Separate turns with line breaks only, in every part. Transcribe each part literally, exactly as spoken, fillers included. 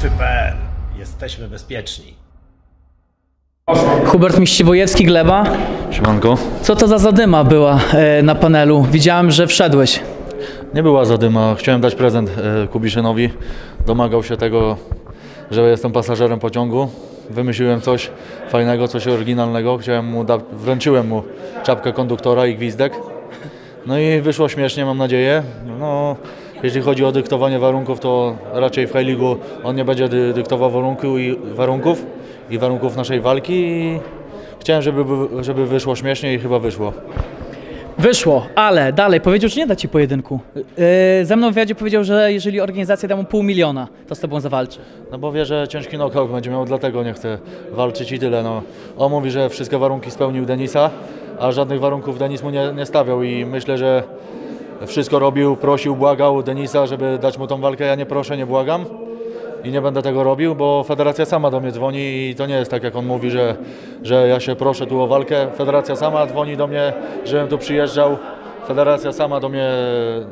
Łowcy kropka pe el. Jesteśmy bezpieczni.
Hubert Miściwojewski, Gleba.
Siemanko.
Co to za zadyma była e, na panelu? Widziałem, że wszedłeś.
Nie była zadyma. Chciałem dać prezent e, Kubiszynowi. Domagał się tego, że jestem pasażerem pociągu. Wymyśliłem coś fajnego, coś oryginalnego. Chciałem mu da- wręczyłem mu czapkę konduktora i gwizdek. No i wyszło śmiesznie, mam nadzieję. No, jeśli chodzi o dyktowanie warunków, to raczej w High League'u on nie będzie dy- dyktował warunku i warunków i warunków naszej walki. I chciałem, żeby, żeby wyszło śmiesznie i chyba wyszło.
Wyszło, ale dalej powiedział, że nie da ci pojedynku. Yy, ze mną w wywiadzie powiedział, że jeżeli organizacja da mu pół miliona, to z tobą zawalczy.
No bo wie, że ciężki knockout będzie miał, dlatego nie chce walczyć i tyle. No. On mówi, że wszystkie warunki spełnił Denisa, a żadnych warunków Denis mu nie, nie stawiał i myślę, że wszystko robił, prosił, błagał Denisa, żeby dać mu tą walkę. Ja nie proszę, nie błagam i nie będę tego robił, bo federacja sama do mnie dzwoni i to nie jest tak, jak on mówi, że, że ja się proszę tu o walkę. Federacja sama dzwoni do mnie, żebym tu przyjeżdżał. Federacja sama do mnie e,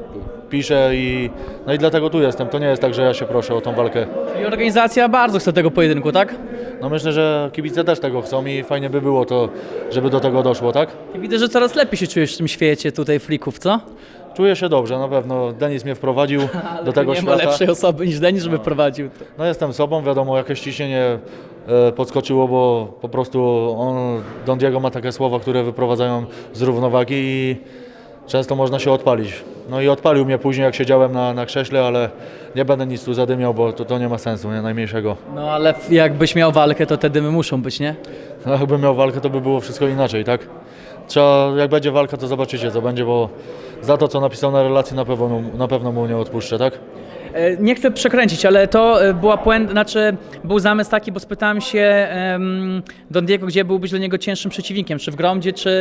pisze i no i dlatego tu jestem. To nie jest tak, że ja się proszę o tą walkę.
I organizacja bardzo chce tego pojedynku, tak?
No myślę, że kibice też tego chcą i fajnie by było to, żeby do tego doszło, tak?
I widzę, że coraz lepiej się czujesz w tym świecie tutaj flików, co?
Czuję się dobrze, na pewno. Denis mnie wprowadził do tego
nie
świata.
ma lepszej osoby niż Denis, żeby prowadził.
No jestem sobą, wiadomo, jakieś ciśnienie e, podskoczyło, bo po prostu on, Don Diego ma takie słowa, które wyprowadzają z równowagi i często można się odpalić. No i odpalił mnie później, jak siedziałem na, na krześle, ale nie będę nic tu zadymiał, bo to, to nie ma sensu, nie najmniejszego.
No ale jakbyś miał walkę, to te dymy muszą być, nie?
No, jakbym miał walkę, to by było wszystko inaczej, tak? Trzeba, jak będzie walka, to zobaczycie, co będzie, bo za to, co napisał na relacji, na pewno, na pewno mu nie odpuszczę, tak?
E, Nie chcę przekręcić, ale to e, była puenta, znaczy był zamysł taki, bo spytałem się em, Don Diego, gdzie byłbyś dla niego cięższym przeciwnikiem, czy w Gromdzie, czy,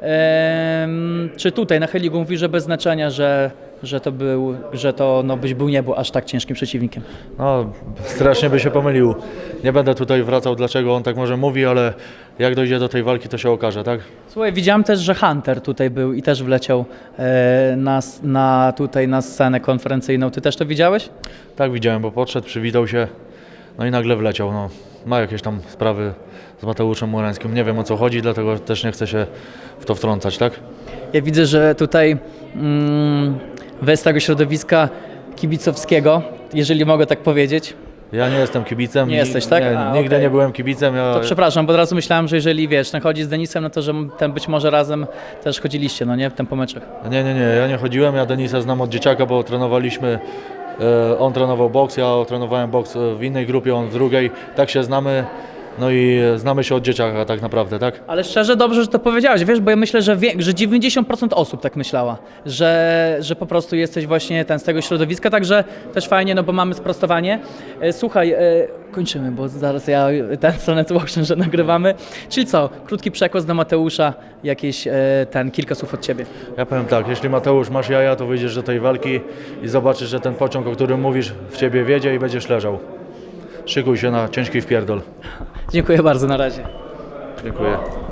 em, czy tutaj na Heligu. Mówi, że bez znaczenia, że, że to był, że to no, byś był nie był aż tak ciężkim przeciwnikiem.
No, strasznie by się pomylił. Nie będę tutaj wracał, dlaczego on tak może mówi, ale jak dojdzie do tej walki, to się okaże, tak?
Słuchaj, widziałem też, że Hunter tutaj był i też wleciał e, na, s- na, tutaj na scenę konferencyjną. Ty też to widziałeś?
Tak widziałem, bo podszedł, przywitał się, no i nagle wleciał. No, ma jakieś tam sprawy z Mateuszem Murańskim. Nie wiem, o co chodzi, dlatego też nie chcę się w to wtrącać, tak?
Ja widzę, że tutaj mm, wy z tego środowiska kibicowskiego, jeżeli mogę tak powiedzieć,
Ja nie jestem kibicem.
Nie
ni-
jesteś, tak?
Nie,
A,
nigdy
okej.
nie byłem kibicem. Ja,
to przepraszam, bo od razu myślałem, że jeżeli wiesz, ten chodzi z Denisem, no to że ten być może razem też chodziliście, no nie, w tym po meczach.
Nie, nie, nie, ja nie chodziłem, ja Denisa znam od dzieciaka, bo trenowaliśmy, e, on trenował boks, ja trenowałem boks w innej grupie, on w drugiej, tak się znamy, no i e, znamy się od dzieciaka tak naprawdę, tak?
Ale szczerze dobrze, że to powiedziałeś, wiesz, bo ja myślę, że, wie, że dziewięćdziesiąt procent osób tak myślała, że, że po prostu jesteś właśnie ten z tego środowiska, także też fajnie, no bo mamy sprostowanie. E, Słuchaj, e, kończymy, bo zaraz ja ten stronę tłoczę, że nagrywamy. Czyli co, krótki przekaz do Mateusza, jakieś e, ten, kilka słów od Ciebie.
Ja powiem tak, jeśli Mateusz masz jaja, to wyjdziesz do tej walki i zobaczysz, że ten pociąg, o którym mówisz, w ciebie wiedzie i będziesz leżał. Szykuj się na ciężki wpierdol.
Dziękuję bardzo, na razie.
Dziękuję.